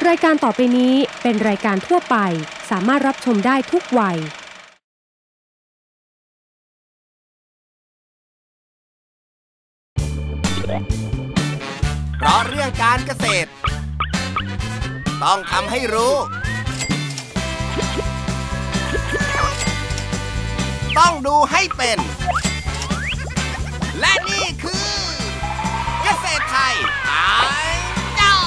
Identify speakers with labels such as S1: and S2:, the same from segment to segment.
S1: รายการต่อไปนี้เป็นรายการทั่วไปสามารถรับชมได้ทุกวัย
S2: เพราะเรื่องการเกษตรต้องทำให้รู้ต้องดูให้เป็นและนี่คือเกษตรไทยไอดอล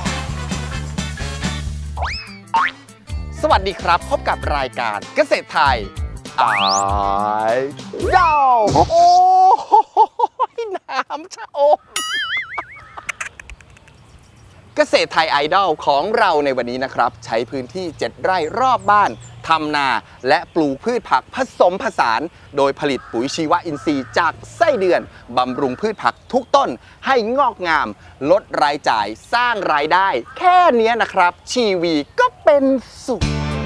S2: สวัสดีครับพบกับรายการเกษตรไทยไอดอลโอ้ยน้ำชะอมเกษตรไทยไอดอลของเราในวันนี้นะครับใช้พื้นที่7ไร่รอบบ้านทำนาและปลูกพืชผักผสมผสานโดยผลิตปุ๋ยชีวอินทรีย์จากไส้เดือนบำรุงพืชผักทุกต้นให้งอกงามลดรายจ่ายสร้างรายได้แค่นี้นะครับชีวีก็เป็นสุข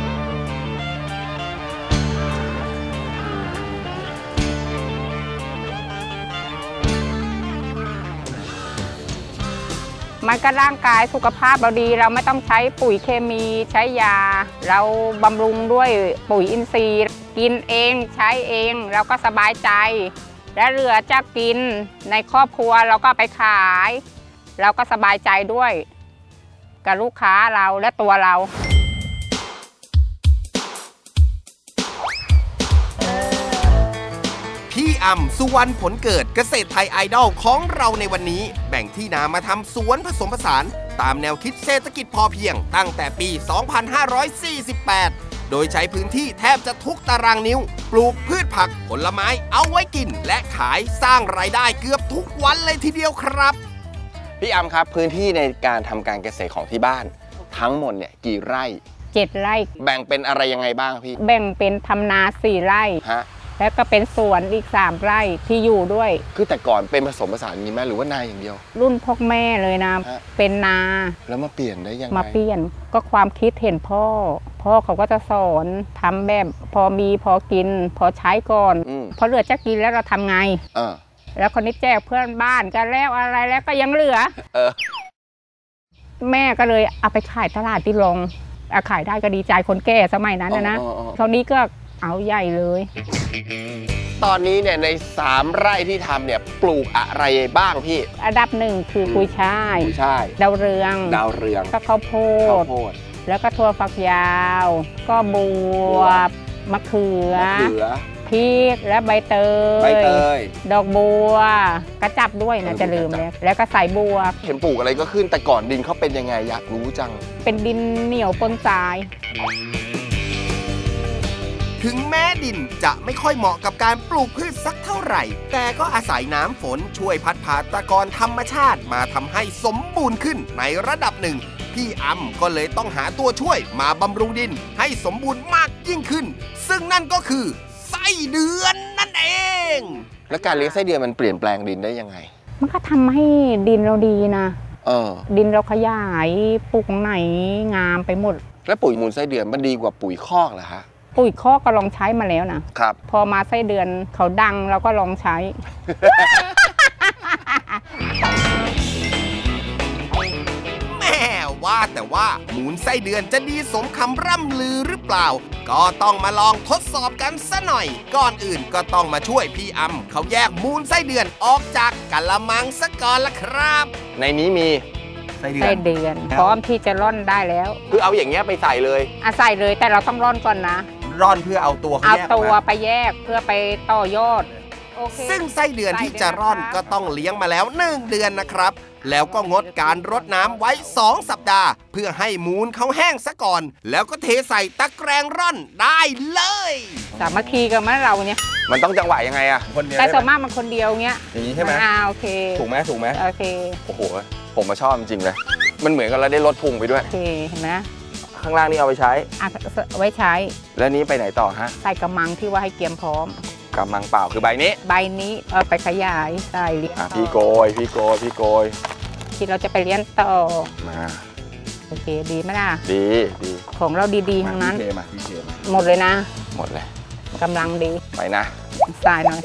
S3: มันก็ร่างกายสุขภาพเราดีเราไม่ต้องใช้ปุ๋ยเคมีใช้ยาเราบำรุงด้วยปุ๋ยอินทรีย์กินเองใช้เองเราก็สบายใจและเหลือจะกินในครอบครัวเราก็ไปขายเราก็สบายใจด้วยกับลูกค้าเราและตัวเรา
S2: พี่อ่ำสุวรรณผลเกิดเกษตรไทยไอดอลของเราในวันนี้แบ่งที่นามาทำสวนผสมผสานตามแนวคิดเศรษฐกิจพอเพียงตั้งแต่ปี 2548 โดยใช้พื้นที่แทบจะทุกตารางนิ้วปลูกพืชผักผลไม้เอาไว้กินและขายสร้างรายได้เกือบทุกวันเลยทีเดียวครับพี่อ่ำครับพื้นที่ในการทำการเกษตรของที่บ้านทั้งหมดเนี่ยกี่ไร่
S3: 7 ไร่
S2: แบ่งเป็นอะไรยังไงบ้างพี่
S3: แบ่งเป็นทำนา4 ไร่
S2: ฮะ
S3: แล้วก็เป็นสวนอีก3 ไร่ที่อยู่ด้วย
S2: คือแต่ก่อนเป็นผสมผสานนี้ไหมหรือว่านาอย่างเดียว
S3: รุ่นพ่อแม่เลยนะเป็นนา
S2: แล้วมาเปลี่ยนได้ยังไง
S3: มาเปลี่ยนก็ความคิดเห็นพ่อเขาก็จะสอนทำแบบพอมีพอกินพอใช้ก่อนพอเหลือจะกินแล้วเราทำไงแล้วคนนี้แจกเพื่อนบ้านกันแล้วอะไรแล้วก็ยังเหลือแม่ก็เลยเอาไปขายตลาดที่ลงขายได้ก็ดีใจคนแก่สมัยนั้นนะคราวนี้ก็เอาใหญ่เลย
S2: ตอนนี้เนี่ยใน3 ไร่ที่ทำเนี่ยปลูกอะไรบ้างพี่
S3: อันดับ1คือกุยช่ายดาวเรืองก็ข้าวโพดแล้วก็ถั่วฝักยาวก็บวบมะเขือพริกและใบเตยดอกบัวกระจับด้วยนะจะลืมแล้วก็ใส่บัว
S2: เห็นปลูกอะไรก็ขึ้นแต่ก่อนดินเขาเป็นยังไงอยากรู้จัง
S3: เป็นดินเหนียวปนทราย
S2: ถึงแม้ดินจะไม่ค่อยเหมาะกับการปลูกพืชสักเท่าไหร่แต่ก็อาศัยน้ำฝนช่วยพัดพาตะกอนธรรมชาติมาทำให้สมบูรณ์ขึ้นในระดับหนึ่งพี่อ่ำก็เลยต้องหาตัวช่วยมาบำรุงดินให้สมบูรณ์มากยิ่งขึ้นซึ่งนั่นก็คือไส้เดือนนั่นเองและการเลี้ยงไส้เดือนมันเปลี่ยนแปลงดินได้ยังไง
S3: มันก็ทำให้ดินเราดีนะดินเราขยายปลูกไหนงามไปหมด
S2: แล้วปุ๋ยมูลไส้เดือนมันดีกว่าปุ๋ยคอกเหรอฮะ
S3: ปุ๋ยคอกก็ลองใช้มาแล้วนะครับพอมาไส้เดือนเขาดังเราก็ลองใช้
S2: แม่ว่าแต่ว่ามูลไส้เดือนจะดีสมคำร่ำลือหรือเปล่าก็ต้องมาลองทดสอบกันซะหน่อยก่อนอื่นก็ต้องมาช่วยพี่อ่ำเขาแยกมูลไส้เดือนออกจากกะละมังซะก่อนละครับในนี้มีไส้
S3: เดือนพร้อมที่จะร่อนได้แล้ว
S2: คือเอาอย่างเงี้ยไปใส่เลย
S3: ใส่เลยแต่เราต้องร่อนก่อนนะ
S2: ร่อนเพื่อเอาตัว
S3: ไปแยกเพื่อไปต่อยอด
S2: ซึ่งไส้เดือนที่จะร่อนก็ต้องเลี้ยงมาแล้ว1 เดือนนะครับแล้วก็งดการรดน้ำไว้2 สัปดาห์เพื่อให้มูลเขาแห้งซะก่อนแล้วก็เทใส่ตะแกรงร่อนได้เลย
S3: สามัคคีกันมั้ยเราเนี่ย
S2: มันต้องจังหวะยังไงอะ
S3: แต่ส่วนมากมันคนเดียวเงี้ย
S2: อย่างนี้ใช่ไหม
S3: โอเค
S2: ถูกไหม
S3: โอเค
S2: โอ้โหผมมาชอบจริงเลยมันเหมือนกับเราได้ลดพุงไปด้วย
S3: โอเคเห็นไหม
S2: ข้างล่างนี่เอาไปใช้
S3: ไว้ใช้
S2: แล้วนี้ไปไหนต่อฮะ
S3: ใส่กระมังที่ว่าให้เตรียมพร้อม
S2: กระมังเปล่าคือใบนี้
S3: เอาไปขยายใส่เลี้ยง
S2: พี่โกย
S3: ที่เราจะไปเลี้ยงต่อ
S2: มา
S3: โอเคดีไหมล่ะ
S2: ดี
S3: ของเราดีๆทั้งนั้น
S2: พี่เท
S3: หมดเลยนะ
S2: หมดเลย
S3: กำลังดี
S2: ไปนะ
S3: ใส่หน่อย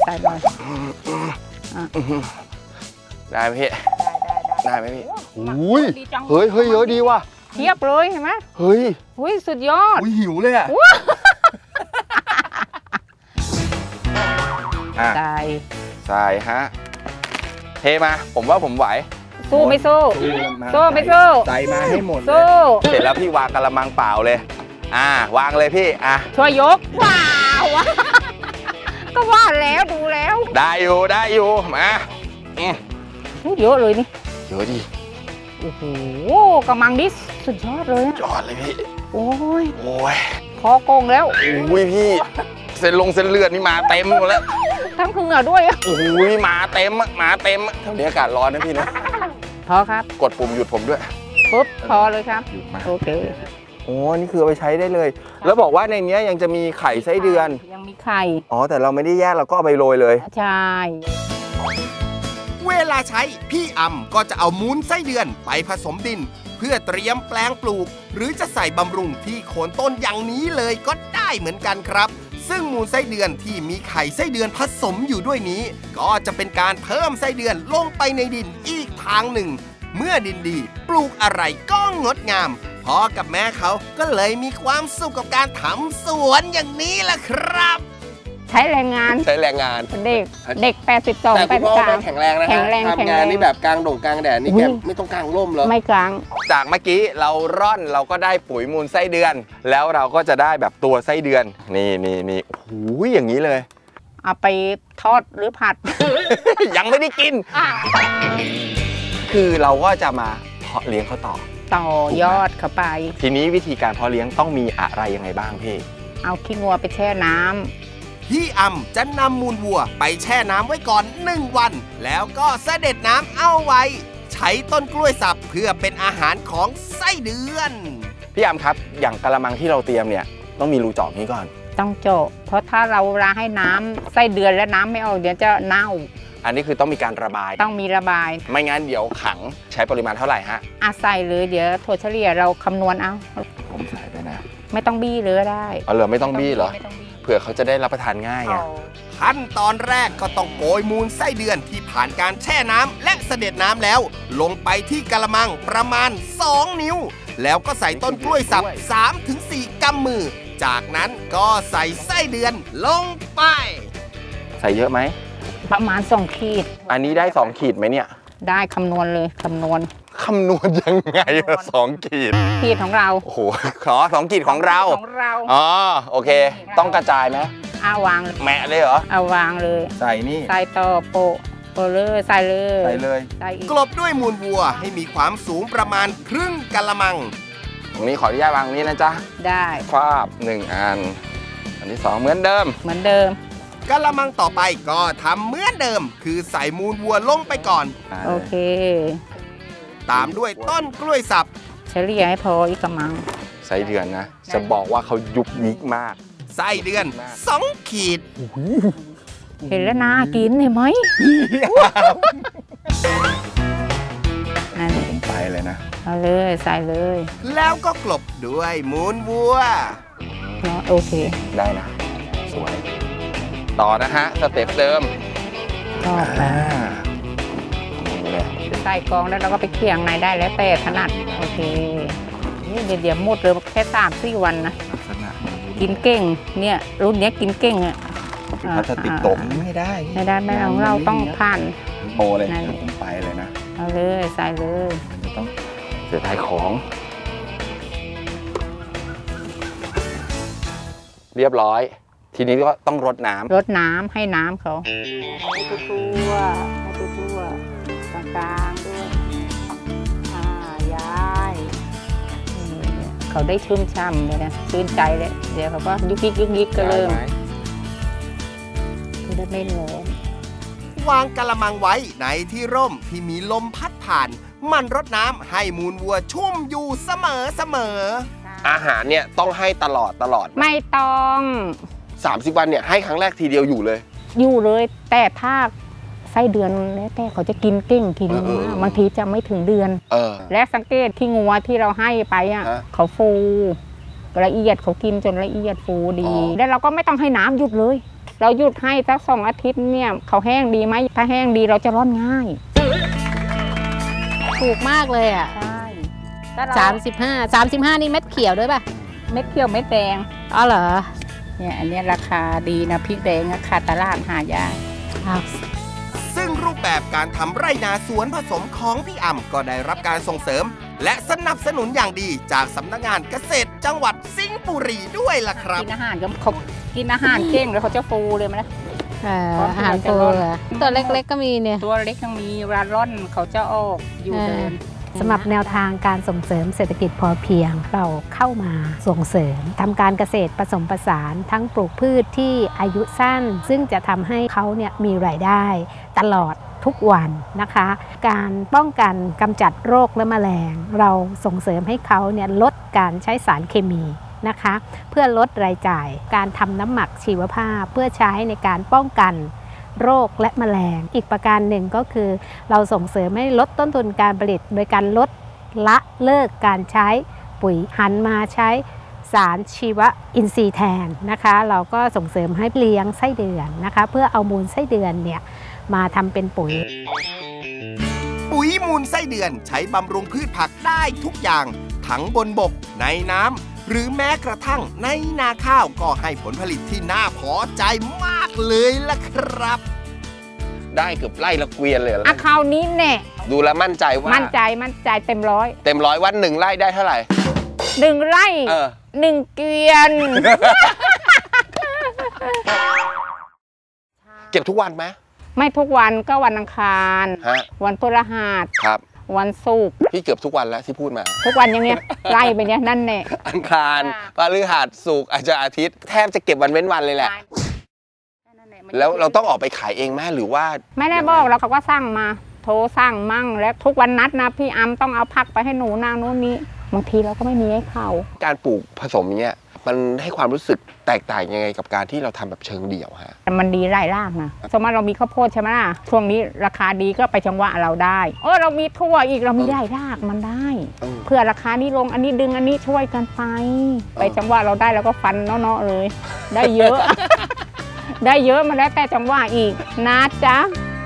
S2: ได้ไหมพี่ได้ไหมพี่อุ้ยเฮ้ยเยอะดีว่ะ
S3: เทียบเลยเห็นไหม
S2: เฮ้ย
S3: สุดยอด
S2: หิวเลยใส่ฮะเทมาผมว่าผมไหว
S3: สู้ไม่สู้ไม่สู้
S2: ใส่มาให้หมดสู้เสร็จแล้วพี่วางกะละมังเปล่าเลยวางเลยพี่
S3: ช่วยยกว้าวก็ว่าแล้วดูแล้ว
S2: ได้อยู่มา
S3: เยอะเลยนี่
S2: เยอะดิ
S3: โอ้โหกระมังดิสุดยอดเลย
S2: ยอดเลยพี่
S3: โอ้ยพอโกงแล้ว
S2: พี่เส้นเลือดนี่มาเต็มหมดแล้ว
S3: ทั้งเหงื่อด้วย
S2: มาเต็มเท่านี้อากาศร้อนนะพี่นะ
S3: พอครับ
S2: กดปุ่มหยุดผมด้วย
S3: ปุ๊บพอเลยครับโอเค
S2: นี่คือเอาไปใช้ได้เลยแล้วบอกว่าในนี้ยังจะมีไข่ไส้เดือน
S3: ยังมีไข่
S2: แต่เราไม่ได้แยกเราก็เอาไปโรยเลย
S3: ใช่
S2: เวลาใช้พี่อำก็จะเอามูลไส้เดือนไปผสมดินเพื่อเตรียมแปลงปลูกหรือจะใส่บำรุงที่โคนต้นอย่างนี้เลยก็ได้เหมือนกันครับซึ่งมูลไส้เดือนที่มีไข่ไส้เดือนผสมอยู่ด้วยนี้ก็จะเป็นการเพิ่มไส้เดือนลงไปในดินอีกทางหนึ่งเมื่อดินดีปลูกอะไรก็งดงามพ่อกับแม่เขาก็เลยมีความสุขกับการทำสวนอย่างนี้ล่ะครับ
S3: ใช้แรงงานเด็ก82
S2: แต่คุณพ่อแข็งแรงนะทำงานนี่แบบกลางกลางแดดนี่แกไม่ต้องกลางร่มเหรอ
S3: ไม่กลาง
S2: จากเมื่อกี้เราร่อนเราก็ได้ปุ๋ยมูลไส้เดือนแล้วเราก็จะได้แบบตัวไส้เดือนนี่อย่างนี้เลย
S3: เอาไปทอดหรือผัด
S2: ยังไม่ได้กินคือเราก็จะมาเพาะเลี้ยงเขาต่
S3: อยอดเข้าไป
S2: ทีนี้วิธีการเพาะเลี้ยงต้องมีอะไรยังไงบ้างพี่
S3: เอาขี้งัวไปแช่น้ำ
S2: พี่อำจะนำมูลวัวไปแช่น้ำไว้ก่อน1 วันแล้วก็เสด็จน้ำเอาไว้ใช้ต้นกล้วยสับเพื่อเป็นอาหารของไส้เดือนพี่อำครับอย่างกะละมังที่เราเตรียมเนี่ยต้องมีรูเจาะนี้ก่อน
S3: ต้องเจาะเพราะถ้าเราให้น้ำไส้เดือนและน้ำไม่ออกเดี๋ยวจะเน่า
S2: อันนี้คือต้องมีการระบาย
S3: ต้องมีระบาย
S2: ไม่งั้นเดี๋ยวขังใช้ปริมาณเท่าไหร่ฮะ
S3: ใส่เลยเดี๋ยวถั่วเฉลี่ยเราคำนวณเอา
S2: ผมใส่ไปนะ
S3: ไม่ต้องบี้เลยได้
S2: เหรอไม่ต้องบี้เหรอเผื่อเขาจะได้รับประทานง่ายขั้นตอนแรกก็ต้องโกยมูลไส้เดือนที่ผ่านการแช่น้ำและเสด็จน้ำแล้วลงไปที่กะละมังประมาณ2 นิ้วแล้วก็ใส่ต้นกล้วยสับ 3-4 กำมือจากนั้นก็ใส่ไส้เดือนลงไปใส่เยอะไหม
S3: ประมาณ2 ขีด
S2: อันนี้ได้2 ขีดไหมเนี่ย
S3: ได้คำนวณเลยคำนวณ
S2: ยังไง2 ขีด
S3: ของเรา
S2: โอ้โหขอ2 ขีดของเราโอเคต้องกระจายไหม
S3: วาง
S2: แมะเลยเหรอ
S3: วางเลย
S2: ใส่นี่
S3: ใส่ต่อโปะเลยใส่
S2: เลยกลบด้วยมูลวัวให้มีความสูงประมาณครึ่งกะละมังตรงนี้ขออนุญาตวางนี้นะจ๊ะ
S3: ได้
S2: ฟาบ1 อันอันที่2เหมือนเดิมกะละมังต่อไปก็ทำเหมือนเดิมคือใส่มูลวัวลงไปก่อน
S3: โอเค
S2: ตามด้วยต้นกล้วยสับ
S3: เฉลี่ยให้พออีกกะมัง
S2: ไส้เดือนนะจะบอกว่าเขายุบยิกมากไส้เดือน2 ขีด
S3: เห็นแล้วน่ากินเห็นไหม
S2: นั่นไปเลยนะ
S3: เอาเลยใส่เลย
S2: แล้วก็กลบด้วยมูลวัว
S3: โอเค
S2: ได้นะสวยต่อนะฮะสเต็ปเดิม
S3: ใส่กองแล้วเราก็ไปเคี่ยงในได้แล้วแต่ถนัดโอเคนี่เดี๋ยวหมดเลยแค่3-4 วันนะกินเก่งเนี่ยรุ่นนี้กินเก่ง
S2: พลาสติกตกไม่ได้
S3: ของเราต้องผ่าน
S2: โตเลยผมไปเลยนะ
S3: เอาเลยใส่เลย
S2: มันจะต้องเสียดายของเรียบร้อยทีนี้ก็ต้องรดน้
S3: ำให้น้ำเขาให้ตัวกลางๆด้วยย้ายเขาได้ชุ่มช่ำเลยนะชื่นใจเลยเดี๋ยวเขาก็ยุกยิกก็เริ่มคือได้ไม่ร้อน
S2: วางกะละมังไว้ในที่ร่มที่มีลมพัดผ่านมันรดน้ำให้มูลวัวชุ่มอยู่เสมออาหารเนี่ยต้องให้ตลอด
S3: ไม่ต้อง
S2: 30 วันเนี่ยให้ครั้งแรกทีเดียวอยู่เลย
S3: แต่ถ้าไส้เดือนแล้วแต่เขาจะกินเก่งกินบางทีจะไม่ถึงเดือนและสังเกตที่งัวที่เราให้ไปเขาฟูละเอียดเขากินจนละเอียดฟูดีแล้วเราก็ไม่ต้องให้น้ำหยุดเลยเราหยุดให้สัก2 อาทิตย์เนี่ยเขาแห้งดีไหมถ้าแห้งดีเราจะร่อนง่ายถูกมากเลยใช่
S4: 35นี่เม็ดเขียวด้วยป่ะ
S3: เม็ดเขียวเม็ดแดง
S4: อ๋อเหรอ
S3: เนี่ยอันนี้ราคาดีนะพริกแดงราคาตลาดหายาก
S2: ซึ่งรูปแบบการทำไร่นาสวนผสมของพี่อ่ำก็ได้รับการส่งเสริมและสนับสนุนอย่างดีจากสำนักงานเกษตรจังหวัดสิงห์บุรีด้วยล่ะครับ
S3: กินอาหารก็เขากินอาหารเก่งแล้วเขาจะฟูเลยมั้ย
S4: อาหารฟูตัวเล็กๆก็มีเนี่ย
S3: ตัวเล็กยังมีเวลาร่อนเขาจะออกอยู่เดิน
S5: สำหรับแนวทางการส่งเสริมเศรษฐกิจพอเพียงเราเข้ามาส่งเสริมทำการเกษตรผสมผสานทั้งปลูกพืชที่อายุสั้นซึ่งจะทำให้เขาเนี่ยมีรายได้ตลอดทุกวันนะคะการป้องกันกำจัดโรคและแมลงเราส่งเสริมให้เขาเนี่ยลดการใช้สารเคมีนะคะเพื่อลดรายจ่ายการทำน้ำหมักชีวภาพเพื่อใช้ในการป้องกันโรคและแมลงอีกประการหนึ่งก็คือเราส่งเสริมให้ลดต้นทุนการผลิตโดยการลดละเลิกการใช้ปุ๋ยหันมาใช้สารชีวอินทรีย์แทนนะคะเราก็ส่งเสริมให้เลี้ยงไส้เดือนนะคะเพื่อเอามูลไส้เดือนเนี่ยมาทำเป็นปุ๋ย
S2: มูลไส้เดือนใช้บำรุงพืชผักได้ทุกอย่างทั้งบนบกในน้ำหรือแม้กระทั่งในนาข้าวก็ให้ผลผลิตที่น่าพอใจมากเลยล่ะครับ
S6: ได้เกือบไร่ละเกวียนเลย
S3: คราวนี้แน่
S6: ดูแลมั่นใจว่า
S3: มั่นใจเต็มร้
S6: อยวัน1 ไร่ได้เท่าไหร่
S3: 1 ไร่1 เกวียน
S6: เก็บทุกวันไหม
S3: ไม่ทุกวันก็วันอังคารวันพฤหัส
S6: ครับ
S3: วันศุกร์
S6: พี่เกือบทุกวันแล้วที่พูดมา
S3: ทุกวันอย่างเงี้ยไล่ไปเนี้ยนั่นแน่
S6: อังคารพฤหัสศุกร์อาจจะอาทิตย์แทบจะเก็บวันเว้นวันเลยแหละแล้วเราต้องออกไปขายเองไหมหรือว่า
S3: ไม่ได้บอกแล้วเขาก็สั่งมาโทรสั่งมั่งแล้วทุกวันนัดนะพี่อัมต้องเอาผักไปให้หนูนางนู้นนี้บางทีเราก็ไม่มีให้เขา
S6: การปลูกผสมเนี้ยมันให้ความรู้สึกแตกต่างยังไงกับการที่เราทำแบบเชิงเดี่ยวฮะ
S3: มันดีรายรากนะสมมติเรามีข้าวโพดใช่ไหมล่ะช่วงนี้ราคาดีก็ไปจังหวะเราได้เรามีทั่วอีกเรามีรายรากมันได้เพื่อราคานี้ลงอันนี้ดึงอันนี้ช่วยกันไปจังหวะเราได้แล้วก็ฟันเนาะๆเลยได้เยอะ ได้เยอะมาแล้วแต่จังหวะอีกนะจ๊ะ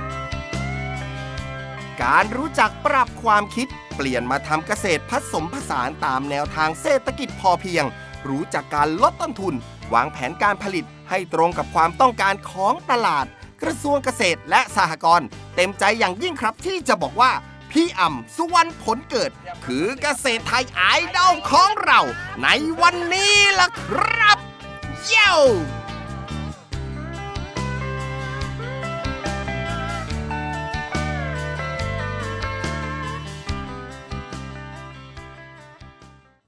S2: การรู้จักปรับความคิดเปลี่ยนมาทำเกษตรผสมผสานตามแนวทางเศรษฐกิจพอเพียงรู้จักการลดต้นทุนวางแผนการผลิตให้ตรงกับความต้องการของตลาดกระทรวงเกษตรและสหกรณ์เต็มใจอย่างยิ่งครับที่จะบอกว่าพี่อ่ำสุวรรณผลเกิดคือเกษตรไทยไอดอลของเราในวันนี้ล่ะครับเย้